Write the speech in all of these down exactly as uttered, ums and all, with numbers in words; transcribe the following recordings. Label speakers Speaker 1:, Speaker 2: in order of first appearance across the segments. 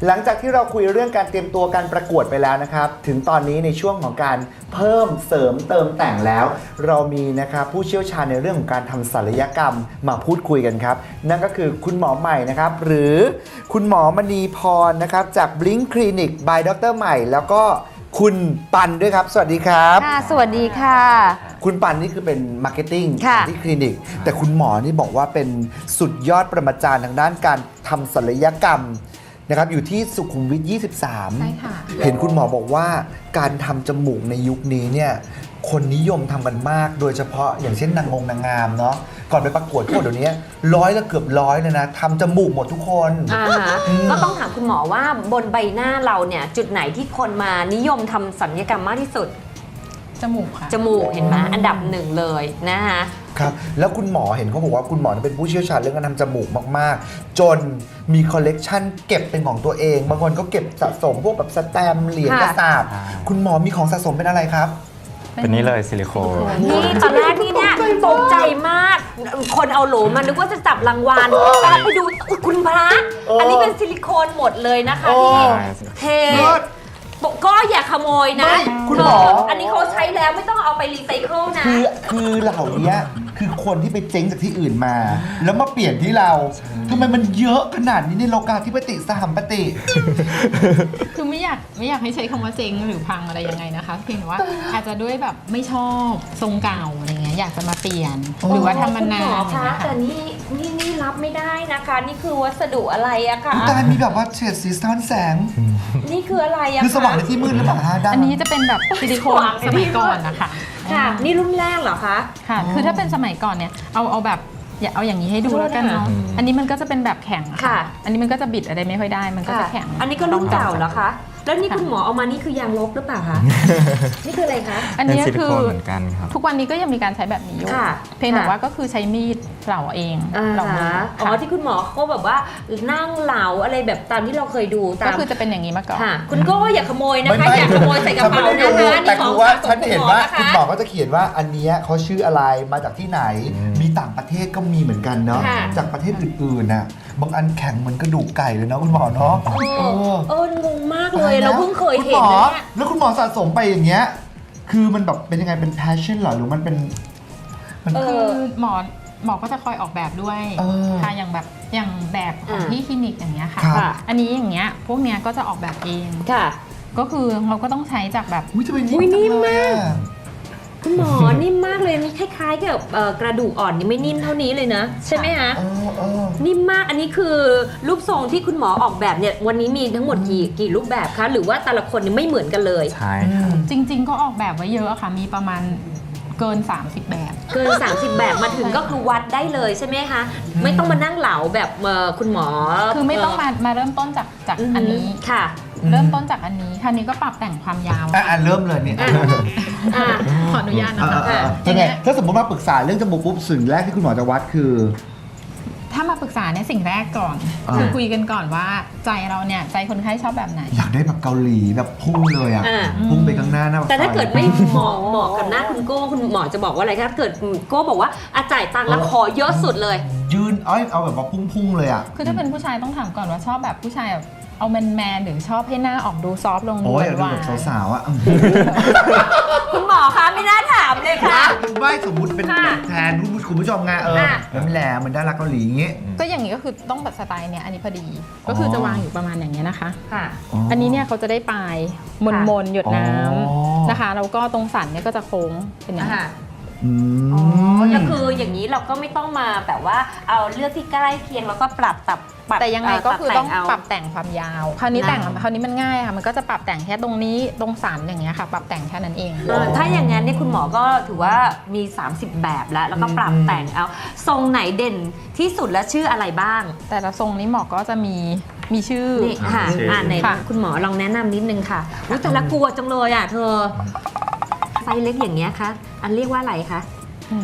Speaker 1: หลังจากที่เราคุยเรื่องการเตรียมตัวการประกวดไปแล้วนะครับถึงตอนนี้ในช่วงของการเพิ่มเสริมเติมแต่งแล้ว เรามีนะครับผู้เชี่ยวชาญในเรื่องของการทำศัลยกรรมมาพูดคุยกันครับนั่นก็คือคุณหมอใหม่นะครับหรือคุณหมอมณีพรนะครับจาก Blink Clinic by ดรใหม่แล้วก็คุณปันด้วยครับสวัสดีครับ
Speaker 2: ค่ะสวัสดีค่ะ
Speaker 1: คุณปันนี่คือเป็นมาร์เก็ตติ้ง
Speaker 2: ค่ะ
Speaker 1: ที่คลินิกแต่คุณหมอนี่บอกว่าเป็นสุดยอดประมาจารย์ทางด้านการทำศัลยกรรมนะครับอยู่ที่สุขุมวิท ยี่สิบสาม
Speaker 3: ใช่ค่ะ
Speaker 1: เห็นคุณหมอบอกว่าการทำจมูกในยุคนี้เนี่ยคนนิยมทำกันมากโดยเฉพาะอย่างเช่นนางงนางงามเนาะก่อนไปประกวดพวกเดี๋ยวนี้ร้อยละเกือบร้อยเลยนะทำจมูกหมดทุกคน
Speaker 2: อ่าฮะก็ต้องถามคุณหมอว่าบนใบหน้าเราเนี่ยจุดไหนที่คนมานิยมทำศัลยกรรมมากที่สุด
Speaker 3: จมูกค่ะ
Speaker 2: จมูกเห็นไหมอันดับหนึ่งเลยนะคะ
Speaker 1: ครับแล้วคุณหมอเห็นเขาบอกว่าคุณหมอเป็นผู้เชี่ยวชาญเรื่องการทำจมูกมากๆ จนมีคอลเลกชันเก็บเป็นของตัวเองบางคนก็เก็บสะสมพวกแบบสแตมป์เหรียญกระสาบคุณหมอมีของสะสมเป็นอะไรครับ
Speaker 4: เป็นนี่เลยซิลิโคน
Speaker 2: นี่ตอนแรกนี่เนี่ยตกใจมาก คนเอาโหลมานึกว่าจะจับรางวัลแต่ไปดูอุ๊ยคุณพระ
Speaker 1: เอออั
Speaker 2: อันนี้เป็นซิลิโคนหมดเลยนะคะ
Speaker 1: โอ้
Speaker 2: ที่เทก็อย่าขโมยนะ
Speaker 1: ไม่คุณหมอ
Speaker 2: อันนี้เขาใช้แล้วไม่ต้องเอาไปรีไซเคิลนะ
Speaker 1: คือคือเหล่านี้คือคนที่ไปเจ๊งจากที่อื่นมา แล้วมาเปลี่ยนที่เราทำไมมันเยอะขนาดนี้ในโลกาธิปติสหัมปติ
Speaker 3: คือไม่อยากไม่อยากให้ใช้คำว่าเจ๊งหรือพังอะไรยังไงนะคะ เพียงแต่ว่าอาจจะด้วยแบบไม่ชอบทรงเก่าอะไรเงี้ยอยากจะมาเปลี่ยน หรือว่าทำมานาน
Speaker 2: คุณหมอ
Speaker 3: อย่าง
Speaker 2: คะ
Speaker 3: เงี้ย
Speaker 2: แต่
Speaker 3: ค่ะ
Speaker 2: นี่นี่นี่รับไม่ได้นะคะ นี่คือวัสดุอะไรอะคะ
Speaker 1: ตายมีแบบว่าเฉดสีสะท้อนแสง
Speaker 2: นี่คืออะไรอะ
Speaker 1: คือสว่างใน
Speaker 2: คะ
Speaker 1: ที่มืดหรือเปล่าฮะด้าน
Speaker 3: อันนี้จะเป็นแบบซิลิโคน
Speaker 2: วางไว้
Speaker 3: สมัยก่อนนะคะ
Speaker 2: ค่ะ นี่รุ่นแรกเหรอคะ
Speaker 3: ค่ะ คือถ้าเป็นสมัยก่อนเนี่ยเอาเอาแบบอย่าเอาอย่างนี้ให้ดูแล้วกันเนาะอันนี้มันก็จะเป็นแบบแข็งอ
Speaker 2: ค่ะ
Speaker 3: อันนี้มันก็จะบิดอะไรไม่ค่อยได้มันก็จะแข็ง
Speaker 2: อันนี้ก็รุ่นเก่าเหรอคะ แล้วนี่คุณหมอเอามานี่คือยางลบหรือเปล่าคะ นี่คืออะไรคะ
Speaker 3: อัน
Speaker 4: เป็น
Speaker 3: นี้
Speaker 4: ซิลิ
Speaker 3: คื
Speaker 4: โค
Speaker 3: อน
Speaker 4: เหมือนกันครับ
Speaker 3: ทุกวันนี้ก็ยังมีการใช้แบบนี้อยู่
Speaker 2: ค่ะ
Speaker 3: เพียงแต่
Speaker 2: ค่ะ
Speaker 3: ว่าก็คือใช้มีดเหลาเอง
Speaker 2: อ่า
Speaker 3: เหลามือ
Speaker 2: ฮะอ๋อ
Speaker 3: ค่ะ
Speaker 2: ที่คุณหมอเขาแบบว่านั่งเหลาอะไรแบบตามที่เราเคยดูตา
Speaker 3: ก็
Speaker 2: ม
Speaker 3: คือจะเป็นอย่างนี้มาก่อน
Speaker 2: ค่ะ คุณก็อย่าขโมยนะ
Speaker 1: ไม่
Speaker 2: คะ
Speaker 1: ไม่
Speaker 2: อย่าขโมยใส่กระเป๋า
Speaker 1: ฉันไม่
Speaker 2: นะ
Speaker 1: ได้
Speaker 2: คะ
Speaker 1: ดูแต่
Speaker 2: ข
Speaker 1: คื
Speaker 2: อง
Speaker 1: อว่า
Speaker 2: สะสม
Speaker 1: ฉันเห็นว่า
Speaker 2: ะะ
Speaker 1: คุณหมอก็จะเขียนว่าอันเนี้ยเขาชื่ออะไรมาจากที่ไหน
Speaker 4: อืม
Speaker 1: มีต่างประเทศก็มีเหมือนกันเนาะ
Speaker 2: ค่ะ
Speaker 1: จากประเทศอื่นๆน่ะบางอันแข็งเหมือนกระดูกไก่เลยเนาะคุณหมอเนาะ
Speaker 2: เอ
Speaker 1: เอ
Speaker 2: อ
Speaker 1: อ
Speaker 2: เอองงมากเลยเราเพิ่งเคย
Speaker 1: คุณ
Speaker 2: เห็
Speaker 1: ห
Speaker 2: น
Speaker 1: มอ
Speaker 2: นะเนี่ย
Speaker 1: แล้วคุณหมอสะสมไปอย่างเงี้ยคือมันแบบเป็นยังไงเป็น passion เหรอหรือมันเป็นมัน
Speaker 2: เอ
Speaker 3: คือหมอหมอก็จะคอยออกแบบด้วย
Speaker 1: เออ
Speaker 3: ค่ะอย่างแบบอย่างแบบของ
Speaker 2: อ่า
Speaker 3: ที่คลินิกอย่างเงี้ยค่ะ
Speaker 1: ครับ
Speaker 3: อันนี้อย่างเงี้ยพวกเนี้ยก็จะออกแบบเอง
Speaker 2: ค่ะ
Speaker 3: ก็คือเราก็ต้องใช้จากแบบ
Speaker 1: อุ้ยจะเป็น
Speaker 2: อุ๊ยนิ่มมาก
Speaker 1: จังเลยอะ
Speaker 2: คุณหมอ นิ่มมากเลยนี่คล้ายๆกับเอ่อกระดูกอ่อนนี่ไม่นิ่มเท่านี้เลยนะ ใช่ไหมคะ
Speaker 1: เออเออ
Speaker 2: นิ่มมากอันนี้คือรูปทรงที่คุณหมอออกแบบเนี่ยวันนี้มีทั้งหมดกี่กี่รูปแบบคะหรือว่าแต่ละคนนี่ไม่เหมือนกันเลย
Speaker 4: ใช่ครับ
Speaker 3: จริง ๆ ก็ออกแบบไว้เยอะค่ะ มีประมาณเกิน สามสิบ แบบ
Speaker 2: เกิน สามสิบ แบบมาถึงก็คือวัดได้เลยใช่ไหมคะไม่ต้องมานั่งเหลาแบบเอ่อคุณหมอ
Speaker 3: คือไม่ต้องมามาเริ่มต้นจากจาก
Speaker 2: อือ
Speaker 3: อัน
Speaker 2: หื
Speaker 3: นี้
Speaker 2: ค่ะ
Speaker 1: อืม
Speaker 3: เริ่มต้นจากอันนี้คราวนี้ก็ปรับแต่งความยาว
Speaker 1: อ่ะอ่ะเริ่มเลยเนี่ย
Speaker 2: อ่ะ อ่ะ
Speaker 3: ขออนุญาตนะ
Speaker 1: เออ
Speaker 3: คะ
Speaker 1: เออเออยังไงถ้าสมมติมาปรึกษาเรื่องจมูกปุ๊บสิ่งแรกที่คุณหมอจะวัดคือ
Speaker 3: ถ้ามาปรึกษาเนี่ยสิ่งแรกก่อน
Speaker 1: อ่า
Speaker 3: คือคุยกันก่อนว่าใจเราเนี่ยใจคนไข้ชอบแบบไหน
Speaker 1: อยากได้แบบเกาหลีแบบพุ่งเลยอ่ะ
Speaker 2: อ่า
Speaker 1: พุ่งไปข้างหน้าหน้าปก
Speaker 2: แต่ถ้า
Speaker 1: ซอย
Speaker 2: เกิดไม่เหมาะเหมาะกับหน้าคุณโก้คุณหมอจะบอกว่าอะไรถ้าเกิดโก้บอกว่าอาจ่ายตังค์แล้วขอเยอะสุดเลย
Speaker 1: ยืนเอ้ยเอาแบบว่าพุ่งๆเลยอ่ะ
Speaker 3: คือถ้าเป็นผู้ชายต้องถามก่อนว่าชอบแบบผู้ชายแบบเอาแมนแมนๆหรือชอบให้หน้าออกดูซอฟต์ลงดู
Speaker 1: โอ้ยอยาก
Speaker 3: ห
Speaker 1: ดู
Speaker 3: วา
Speaker 1: แบบ
Speaker 3: น
Speaker 1: สาวๆอ่ะ
Speaker 2: คุณหมอคะไม่น่าถามเลยค่ะ
Speaker 1: ไม่สมมติเป็น
Speaker 2: ค่ะ
Speaker 1: แทนคุณผู้คุณผู้ชมไงเออ
Speaker 2: ค่ะ
Speaker 1: แล้วแหลมเหมือนดาราเกาหลีอย่างเงี้ย
Speaker 3: ๆก็อย่างนี้ก็คือต้องแบบสไตล์เนี่ยอันนี้พอดี ก็คือจะวางอยู่ประมาณอย่างเงี้ยนะคะ
Speaker 2: ค่ะ
Speaker 3: อันนี้เนี่ยเขาจะได้ปลายมน
Speaker 2: ค่ะ
Speaker 3: มนๆหยดน้
Speaker 1: อ๋อ
Speaker 3: ำนะคะแล้วก็ตรงสันเนี่ยก็จะโค้งเป็นอย่างนี้
Speaker 2: ค่ะ
Speaker 1: อืม
Speaker 2: อ๋อแล้วคืออย่างนี้เราก็ไม่ต้องมาแบบว่าเอาเลือกที่ใกล้เคียงแล้วก็ปรับตับปรับ
Speaker 3: แต่ยังไงก็คือต้อง
Speaker 2: เา
Speaker 3: ปรับแต่งความยาว คราวนี้แต่ง
Speaker 2: นะ
Speaker 3: คราวนี้มันง่ายค่ะมันก็จะปรับแต่งแค่ตรงนี้ตรงสันอย่างเงี้ยค่ะ ปรับแต่งแค่นั้นเอง
Speaker 2: เออถ้าอย่างนั้นเนี่ยคุณหมอก็ถือว่ามี สามสิบ แบบแล้ว แล้วก็ปรับแต่งเอาทรงไหนเด่นที่สุดและชื่ออะไรบ้าง
Speaker 3: แต่ละทรงนี้หมอก็จะมีมีชื่อ
Speaker 2: นี่ค่ะ
Speaker 4: ชื่ออ่
Speaker 2: อ่านไหน
Speaker 3: ค่ะ
Speaker 2: คุณหมอลองแนะนำนิดนึงค่ะอุ๊ยแต่ละกลัวจังเลยอ่ะเธอไซส์เล็กอย่างเงี้ยคะอันเรียกว่าอะไรคะ
Speaker 3: อืม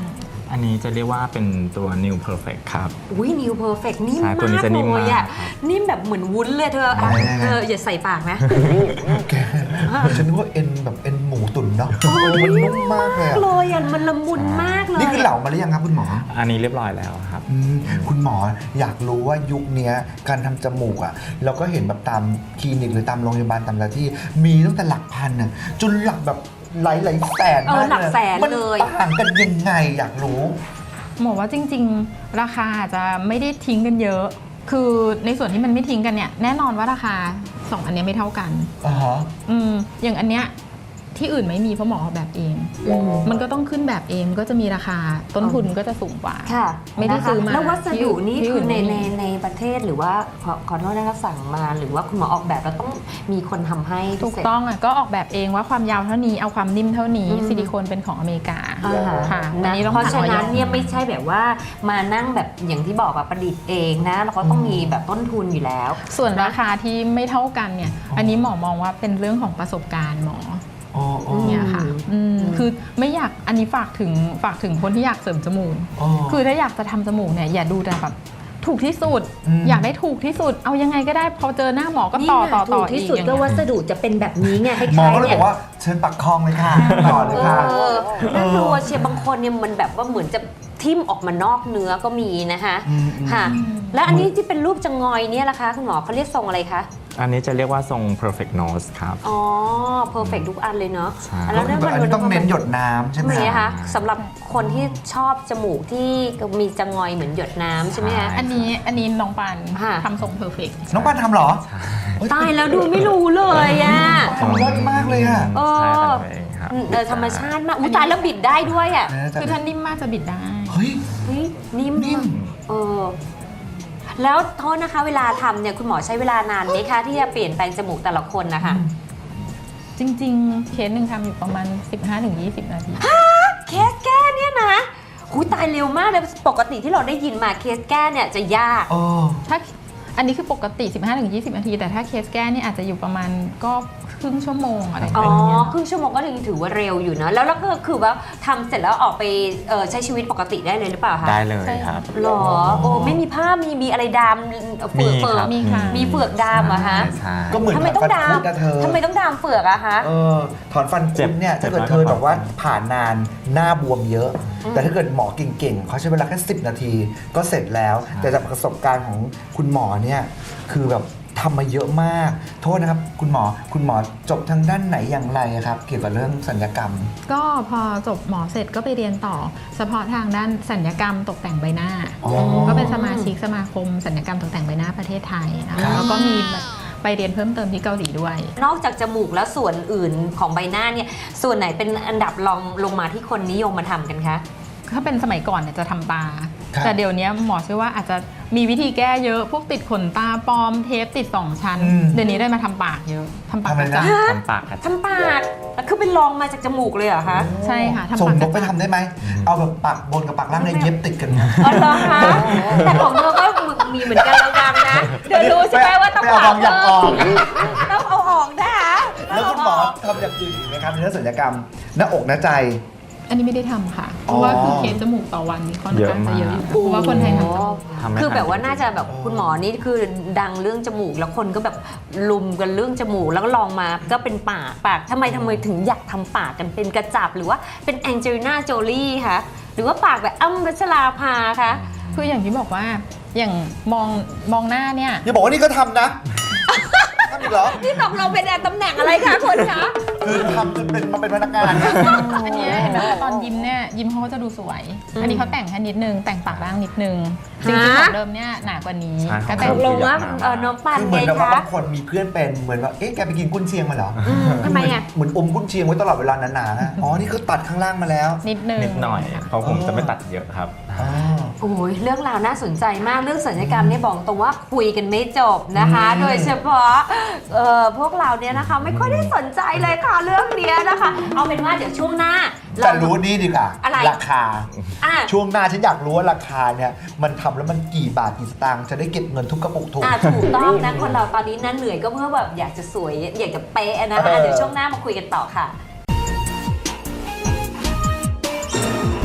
Speaker 4: อันนี้จะเรียกว่าเป็นตัว New Perfect ครับ
Speaker 2: อุ้ยนิวเพอร์เฟกนิ่ม
Speaker 4: ใช่ตัวนี้
Speaker 2: มาก
Speaker 4: จะนิ่ม
Speaker 2: เลยอ่ะ
Speaker 4: มากครับ
Speaker 2: นิ่มแบบเหมือนวุ้นเลยเธออ่ะ
Speaker 1: ไหนๆๆ
Speaker 2: เธออย่าใส่ปากนะ
Speaker 1: แกฉันนึกว่าเอ็นแบบเอ็นหมูตุ๋นเนาะมันนุ่มมากเลยอะ
Speaker 2: เลยอ่ะมันละมุนมากเลย
Speaker 1: นี่คือเหลามาหรือยังครับคุณหมอ
Speaker 4: อันนี้เรียบร้อยแล้วครับ
Speaker 1: อืมคุณหมออยากรู้ว่ายุคเนี้ยการทำจมูกอ่ะเราก็เห็นแบบตามคลินิกหรือตามโรงพยาบาลตามอะไรที่มีตั้งแต่หลักพันน่ะจนหลักแบบหลายหลายๆแสน
Speaker 2: เอ
Speaker 1: มา
Speaker 2: อก หลักแสน
Speaker 1: มัน
Speaker 2: เลย
Speaker 1: ต่างกันยังไงอยากรู้
Speaker 3: หมอว่าจริงๆ ราคาอาจจะไม่ได้ทิ้งกันเยอะ คือในส่วนที่มันไม่ทิ้งกันเนี่ยแน่นอนว่าราคาสองอันเนี้ยไม่เท่ากัน
Speaker 1: อ่าฮะ
Speaker 3: อืมอย่างอันเนี้ยที่อื่นไม่มีเพราะหมอออกแบบเอง มันก็ต้องขึ้นแบบเองก็จะมีราคาต้นทุนก็จะสูงกว่า
Speaker 2: ค่ะ
Speaker 3: ไม่ได้
Speaker 2: นะคะ
Speaker 3: ซื้อมา
Speaker 2: แล้ววัสดุนี่
Speaker 3: ที่
Speaker 2: คือ
Speaker 3: อื่น
Speaker 2: ใน
Speaker 3: ไม่
Speaker 2: ใน
Speaker 3: มี
Speaker 2: ในประเทศหรือว่าขอขอโทษนะคะสั่งมาหรือว่าคุณหมอออกแบบแล้วต้องมีคนทำให้
Speaker 3: ถูก
Speaker 2: พิเศษ
Speaker 3: ต้องอ่ะก็ออกแบบเองว่าความยาวเท่านี้เอาความนิ่มเท่านี้
Speaker 2: อืม
Speaker 3: ซิลิโคนเป็นของอเมริกา
Speaker 2: อ่า
Speaker 3: ค่ะอัน
Speaker 2: นะ
Speaker 3: นี้ต้อง
Speaker 2: เพราะฉะนั้น
Speaker 3: ผ่ออย
Speaker 2: เนี่ยไม่ใช่แบบว่ามานั่งแบบอย่างที่บอกอะประดิษฐ์เองนะแล้วก็ต้องมีแบบต้นทุนอยู่แล้ว
Speaker 3: ส่วนราคาที่ไม่เท่ากันเนี่ยอันนี้หมอมองว่าเป็นเรื่องของประสบการณ์หมอ
Speaker 1: อ๋ออ๋อ
Speaker 3: เนี่ยค่ะ
Speaker 2: อืม
Speaker 3: อืมคือไม่อยากอันนี้ฝากถึงฝากถึงคนที่อยากเสริมจมูก
Speaker 1: อ๋อ
Speaker 3: คือถ้าอยากจะทำจมูกเนี่ยอย่าดูแต่แบบถูกที่สุด
Speaker 1: อืม
Speaker 3: อยากได้ถูกที่สุด เอายังไงก็ได้พอเจอหน้าหมอก็
Speaker 2: นี่
Speaker 3: ต่อ
Speaker 2: ไง
Speaker 3: ต่อ
Speaker 2: ถู
Speaker 3: ต่อก
Speaker 2: ที่
Speaker 3: อีก
Speaker 2: สุด
Speaker 3: อย่าง
Speaker 2: ก็
Speaker 3: เงี้ย
Speaker 2: วัสดุจะเป็นแบบนี้ไงคล้ายๆ
Speaker 1: หมอก็เลย
Speaker 2: นี่
Speaker 1: บอกว่าเชิญปักคลองเลยค่ะต่อเลยค่ะ
Speaker 2: เออน่ากลัวเชียร์บางคนเนี่ยมันแบบว่าเหมือนจะทิ่มออกมานอกเนื้อก็มีนะคะ
Speaker 1: อืมอืม
Speaker 2: ค่ะ แล้วอันนี้ที่เป็นรูปจะงอยเนี่ยล่ะคะคุณหมอเขาเรียกทรงอะไรคะ
Speaker 4: อันนี้จะเรียกว่าทรง perfect nose ครับ
Speaker 2: อ๋อ perfect ทุกอันเลยเนาะ
Speaker 4: ใช่
Speaker 2: แล้ว
Speaker 1: ก็คือแบบอันนี้ต้องเน้นหยดน้ำใช่ไหม
Speaker 2: ทำไม
Speaker 1: คะ
Speaker 2: นะคะสำหรับคนที่ชอบจมูกที่มีจะงอยเหมือนหยดน้ำใช่ไหมคะ
Speaker 3: อันนี้อันนี้น้องปัน
Speaker 2: ค่ะ
Speaker 3: ทำทรงเพอร์เฟกต์
Speaker 1: น้องปานทำเหรอเฮ้ย
Speaker 2: ตายแล้วดูไม่รู้เลยอ่ะ
Speaker 1: ทำเลิศมากเลยอ่ะ
Speaker 2: เอ
Speaker 4: ใช่
Speaker 2: อ
Speaker 4: ทำเองครับ
Speaker 2: เออธรรมชาติมากอุ้ยตายแล้วบิดได้ด้วยอ่ะ
Speaker 3: คือถ้านิ่มมากจะบิดได้
Speaker 1: เฮ้ย
Speaker 2: เฮ้ยนิ่ม
Speaker 1: นิ่ม
Speaker 2: เออแล้วโทษนะคะ เวลาทำเนี่ยคุณหมอใช้เวลานานไหมคะที่จะเปลี่ยนแปลงจมูกแต่ละคนนะคะ
Speaker 3: จริงๆ เคสหนึ่งทำอยู่ประมาณ สิบห้าถึงยี่สิบ นาที
Speaker 2: เคสแก้เนี่ยนะหูตายเร็วมากเลยปกติที่เราได้ยินมาเคสแก้เนี่ยจะยาก
Speaker 1: เออ
Speaker 3: ถ้าอันนี้คือปกติ สิบห้าถึงยี่สิบ นาที แต่ถ้าเคสแก้เนี่ยอาจจะอยู่ประมาณก็ครึ่งชั่วโมงอะไรประ
Speaker 2: อ๋อ
Speaker 3: มาณเนี้ย
Speaker 2: ครึ่งชั่วโมงก็ยังถือว่าเร็วอยู่นะแล้วแล้วก็คือว่าทำเสร็จแล้วออกไปเอ่อใช้ชีวิตปกติได้เลยหรือเปล่าคะ
Speaker 4: ได้เลยครับ
Speaker 2: หรอโอ้ไม่มีผ้ามีมีอะไรดามเฟือก
Speaker 4: มี
Speaker 2: เฟือ
Speaker 4: ครั
Speaker 2: ก
Speaker 4: บ
Speaker 3: มีค่ะ
Speaker 2: มีเฟือกดามเหรอะฮะ
Speaker 4: ใช่
Speaker 1: ก็เหมือน
Speaker 2: ทำไมต้องดาม
Speaker 1: ฟันคุดนะเธอ
Speaker 2: ทำไมต้องดามเฟือกอะคะ
Speaker 1: เออถอนฟัน
Speaker 4: เจ็
Speaker 1: คุ
Speaker 4: บ
Speaker 1: ดเนี่ย
Speaker 4: เจ็
Speaker 1: ถ้า
Speaker 4: บ
Speaker 1: เกิด
Speaker 4: น้อย
Speaker 1: เธอก
Speaker 4: ว่า
Speaker 1: บอกว่า
Speaker 4: ถอนฟัน
Speaker 1: ผ่านนานหน้าบวมเยอะ แต่ถ้าเกิดหมอเก่งๆเขาใช้เวลาแค่สิบนาทีก็เสร็จแล้ว แต่จากประสบการณ์ของคุณหมอเนี่ยคือแบบทำมาเยอะมาก โทษนะครับ คุณหมอคุณหมอจบทางด้านไหนอย่างไรอะครับ เกี่ยวกับเรื่องสัญญกรรม
Speaker 3: ก็พอจบหมอเสร็จก็ไปเรียนต่อ เฉพาะทางด้านสัญญกรรมตกแต่งใบหน้า
Speaker 1: อ๋อ
Speaker 3: ก็เป็นสมาชิกสมาคมสัญญกรรมตกแต่งใบหน้าประเทศไทยนะ
Speaker 1: ครั
Speaker 3: คะ
Speaker 1: บ
Speaker 3: แล้วก็มีไปเรียนเพิ่มเติมที่เกาหลีด้วย
Speaker 2: นอกจากจมูกแล้วส่วนอื่นของใบหน้าเนี่ยส่วนไหนเป็นอันดับรองลงมาที่คนนิยมมาทำกันคะ
Speaker 3: ถ้าเป็นสมัยก่อนเนี่ยจะทำตา
Speaker 1: ครับ
Speaker 3: แต่เดี๋ยวนี้หมอเชื่อว่าอาจจะมีวิธีแก้เยอะ พวกติดขนตาปลอมเทปติดสองชั้น
Speaker 1: อืม
Speaker 3: เดี๋ยวนี้ได้มาทำปากเยอะทำปาก
Speaker 1: ทำอะไร
Speaker 3: กระ
Speaker 1: นะ
Speaker 3: จับ
Speaker 4: ทำปากครับ
Speaker 2: ทำปากคือเป็นรองมาจากจมูกเลยเหรอคะ
Speaker 3: ใช่ค่ะทำ
Speaker 1: ส่ง
Speaker 3: ปาก
Speaker 1: น
Speaker 3: ก
Speaker 1: ก
Speaker 3: ระ
Speaker 1: ไป
Speaker 3: จับ
Speaker 1: ทำได้ไหม เอาแบบปากบนกับปากล่างเนี่ยเย็บติดกันนะ
Speaker 2: อ๋อเหรอคะแต่ของเธอก็มีเหมือนกันระวังนะเดี๋ยวรู้ใช่ไหมว่าต้อง
Speaker 1: ไม่เอาบางอย่างออก
Speaker 2: ต้องเอาออกนะคะ
Speaker 1: แล้วคุณหมอทำอย่างอื่นอีกไหมครับในเรื่องศัลยกรรม หน้าอกหน้าใจ
Speaker 3: อันนี้ไม่ได้ทำค่ะ เพ
Speaker 1: อ๋อ
Speaker 3: ราะว่าคือเคสจมูกต่อวันนี่ค่อนข้างจะเยอะอยู่นะเพราะว่าคนไทยทำจมูก
Speaker 4: ทำไม่
Speaker 2: คือแบบ
Speaker 4: ทัน
Speaker 2: ว่าน่าจะแบบคุณหมอนี่คือดังเรื่องจมูก แล้วคนก็แบบลุมกันเรื่องจมูก แล้วก็ลองมาก็เป็นปากปากทำไมทำไมถึงอยากทำปากกันเป็นกระจับหรือว่าเป็นแองเจลิน่าโจลี่คะหรือว่าปากแบบอ้ำพัชราภาคะ
Speaker 3: คืออย่างที่บอกว่าอย่างมองมองหน้าเนี่ย
Speaker 1: อย่าบอกว่านี่ก็ทำนะ ทำอีกเหรอ
Speaker 2: นี่ตกเราเป็นตำแหน่งอะไรคะคนคะ
Speaker 1: คือทำจนเป็นมาเป็นพนักงานนะ
Speaker 3: อันเนี้ยเห็นไหมตอนยิ้มเนี่ยยิ้มเขาก็จะดูสวย อันนี้เขาแต่งแค่นิดนึง แต่งปากล่างนิดนึง จริงๆของเดิมเนี่ยหนากว่านี้
Speaker 4: ใช่
Speaker 3: ก็
Speaker 4: ข
Speaker 3: แต่
Speaker 2: ต
Speaker 3: ง
Speaker 2: กลงว่าเออน้องปัน
Speaker 1: คือเห
Speaker 2: ไง
Speaker 1: มือนแบบว่า
Speaker 2: คะ
Speaker 1: บางคนมีเพื่อนเป็นเหมือนว่าเอ๊ะแกไปกินกุ้นเชียงมาเหรอ
Speaker 2: อืมทำไมอ่ะ
Speaker 1: เหมือนอมกุ้นเชียงไว้ตลอดเวลาหนาๆอะอ๋อนี่คือตัดข้างล่างมาแล้ว
Speaker 3: นิดนึง
Speaker 4: นิดหน่อย เพราะผมจะไม่ตัดเยอะครับ
Speaker 1: อ๋อ
Speaker 2: โอ้ยเรื่องราวน่าสนใจมากเรื่องศัลยกรรมเนี่ยบอกตรงว่าคุยกันไม่จบนะคะ
Speaker 1: อืม
Speaker 2: โดยเฉพาะเอ่อพวกเราเนี่ยนะคะ ไม่ค่อยได้สนใจเลยค่ะเรื่องเนี้ยนะคะ เอาเป็นว่าเดี๋ยวช่วงหน้า
Speaker 1: แต่รู้นี่ดีกว่า
Speaker 2: อะไร
Speaker 1: ราคา
Speaker 2: อ่ะ
Speaker 1: ช่วงหน้าฉันอยากรู้ว่าราคาเนี่ยมันทำแล้วมันกี่บาทกี่สตางค์จะได้เก็บเงินทุกกระปุกถูก
Speaker 2: อ่ะถูกต้องนะคนเราตอนนี้นั่นเหนื่อยก็เพื่อแบบอยากจะสวยอยากจะเป๊ะนะคะ
Speaker 1: เออ
Speaker 2: เดี๋ยวช่วงหน้ามาคุยกันต่อค่ะ